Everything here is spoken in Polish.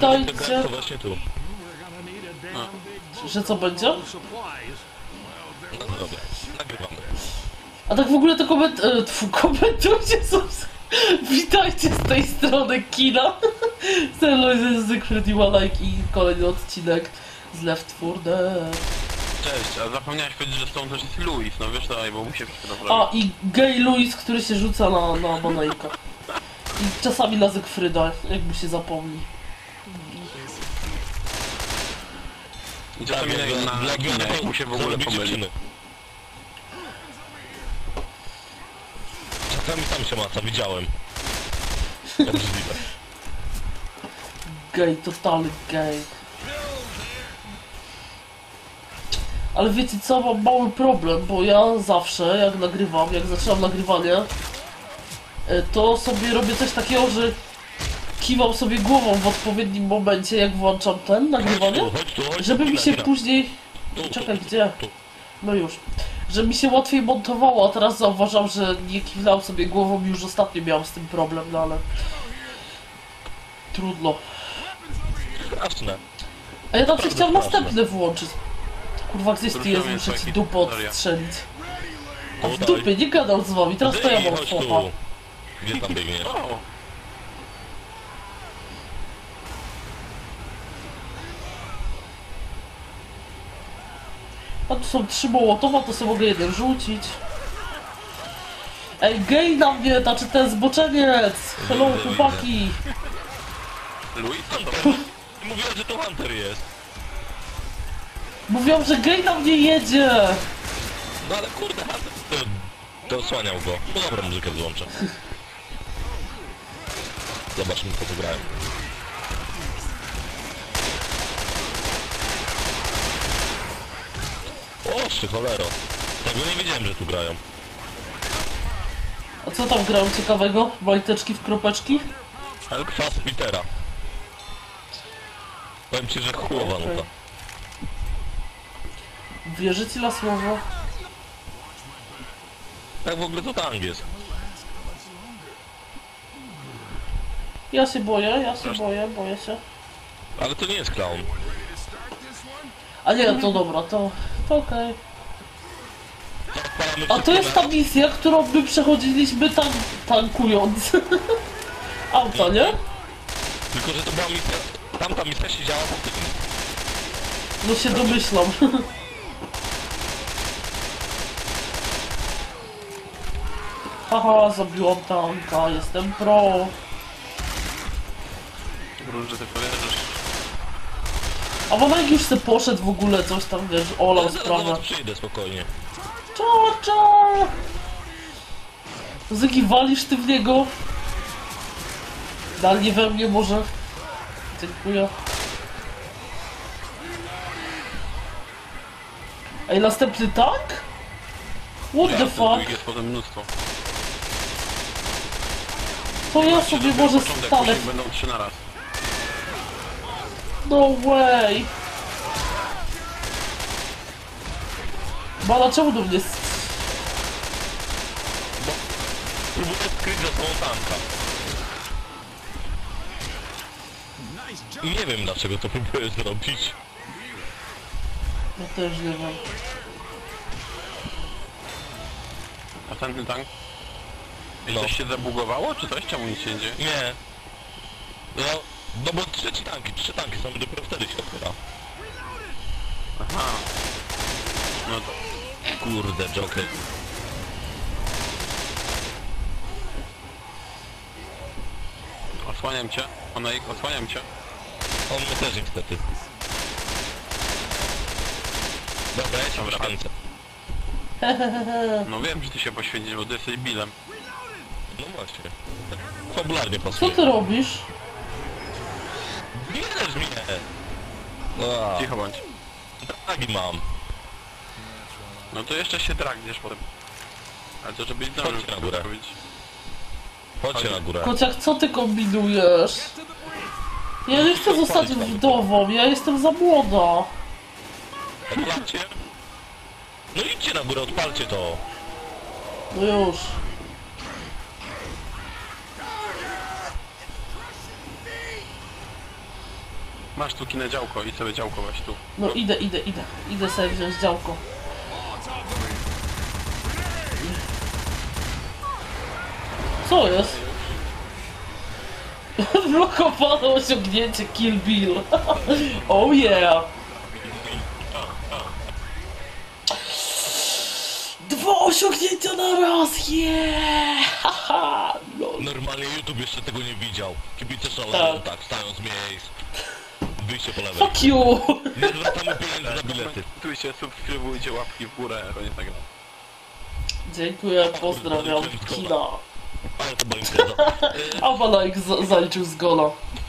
witajcie. To właśnie tu. Że co będzie? No dobra, nagrywamy. A tak w ogóle to komentujcie sobie. Witajcie z tej strony kina. Sterling z Secret Like i kolejny odcinek z Left 4 Dead. Cześć, a zapomniałeś powiedzieć, że stąd też jest Louis, no wiesz daj, bo mu się wszystko naprawdę. A i gay Louis, który się rzuca na banajka. I czasami na Zekfryda, jakby się zapomni. I czasami na ginę, jak mu się w ogóle pomyli. Czasami tam się maca, widziałem. Obrzydliwe. Gej, totalny gej. Ale wiecie co, mam mały problem, bo ja zawsze, jak nagrywam, jak zaczynam nagrywanie, to sobie robię coś takiego, że kiwam sobie głową w odpowiednim momencie, jak włączam ten nagrywanie, żeby mi się później... Czekaj, gdzie? No już. Że mi się łatwiej montowało, a teraz zauważam, że nie kiwnąłem sobie głową i już ostatnio miałem z tym problem, no ale... Trudno. Jasne. A ja tam się chciałem następny włączyć. Kurwa, gdzieś ty jest, muszę ci dupę odstrzelić. A w dupie nie gadał z wami, teraz to ja mam chłopa. Gdzie tam biegniesz? A tu są 3 mołotowa, to sobie mogę jeden rzucić. Ej, gej na mnie, znaczy ten zboczeniec! Hello, chłopaki! Louis? Mówiłem, że to Hunter jest. Mówią, że gej na mnie jedzie! No ale kurde, Hunter to osłaniał go. No dobra, muzykę włączę. Zobaczmy, co tu grają. O, ty cholero. Tego nie wiedziałem, że tu grają. A co tam grają ciekawego? Majteczki w kropeczki? Ale kwas Petera. Powiem ci, że chujowa nuta. Wierzycie na słowo? Tak w ogóle to tang jest. Ja się boję, boję się. Ale to nie jest clown. A nie, to dobra, to okej. Odpalamy A to wszystko jest ta misja, którą my przechodziliśmy tankując. Auta, nie? Tylko, że to była misja... Tamta misja się działa po tym. No się domyślam. Haha, zabiłam tanka, jestem pro. Że ty powiesz. A Wanek już se poszedł w ogóle, coś tam, wiesz, olał sprawę. Zaraz przyjdę spokojnie. Czo! Zygi, walisz ty w niego? Dalej we mnie może? Dziękuję. Ej, następny tank? What the fuck? Jest potem mnóstwo. To ja sobie może Początek, stanę. później będą 3 na raz. No way! Bala, czemu do mnie Próbuję skryć za sobą tanka. I nie wiem, dlaczego to próbuję zrobić. Ja też nie wiem. A ten tank? I No. coś się zabugowało, czy coś? Czemu nic się nie dzieje? Nie. No bo 3 tanki są, dopiero wtedy się otwiera. Aha. No to... Kurde, Joker. Osłaniam cię. Oneik, osłaniam cię. On mnie też niestety. Dobra, ja cię poświęcę. No wiem, że ty się poświęcisz, bo ty jesteś Billem. No właśnie. Tak fabularnie Co pasuje. ty robisz? Bierzesz mnie! Cicho bądź. Dragi mam. No to jeszcze się dragniesz potem. Ale to żebyś zdążył Chodźcie na górę. powiedzieć. Chodźcie na górę. Kociak, co ty kombinujesz? Ja nie chcę zostać wdową, ja jestem za młoda. Odpalcie. No idźcie na górę, odpalcie to. No już. Masz tu kinę działko i sobie działko weź tu. No idę. Idę sobie wziąć działko. Co jest? Odblokowane osiągnięcie Kill Bill. Oh yeah! 2 osiągnięcia na raz! Yeah! Haha! Lol. Normalnie YouTube jeszcze tego nie widział. Kibice szaleją, Tak. tak, stają z miejsc. Wyjście po lewej. Fuck you! Nie zwracamy pieniędzy za bilety. Komentujcie, subskrybujcie, łapki w górę, to nie tak gra. Dziękuję, pozdrawiam, kina. Ale to była impreza. A Balajk zaliczył z gola.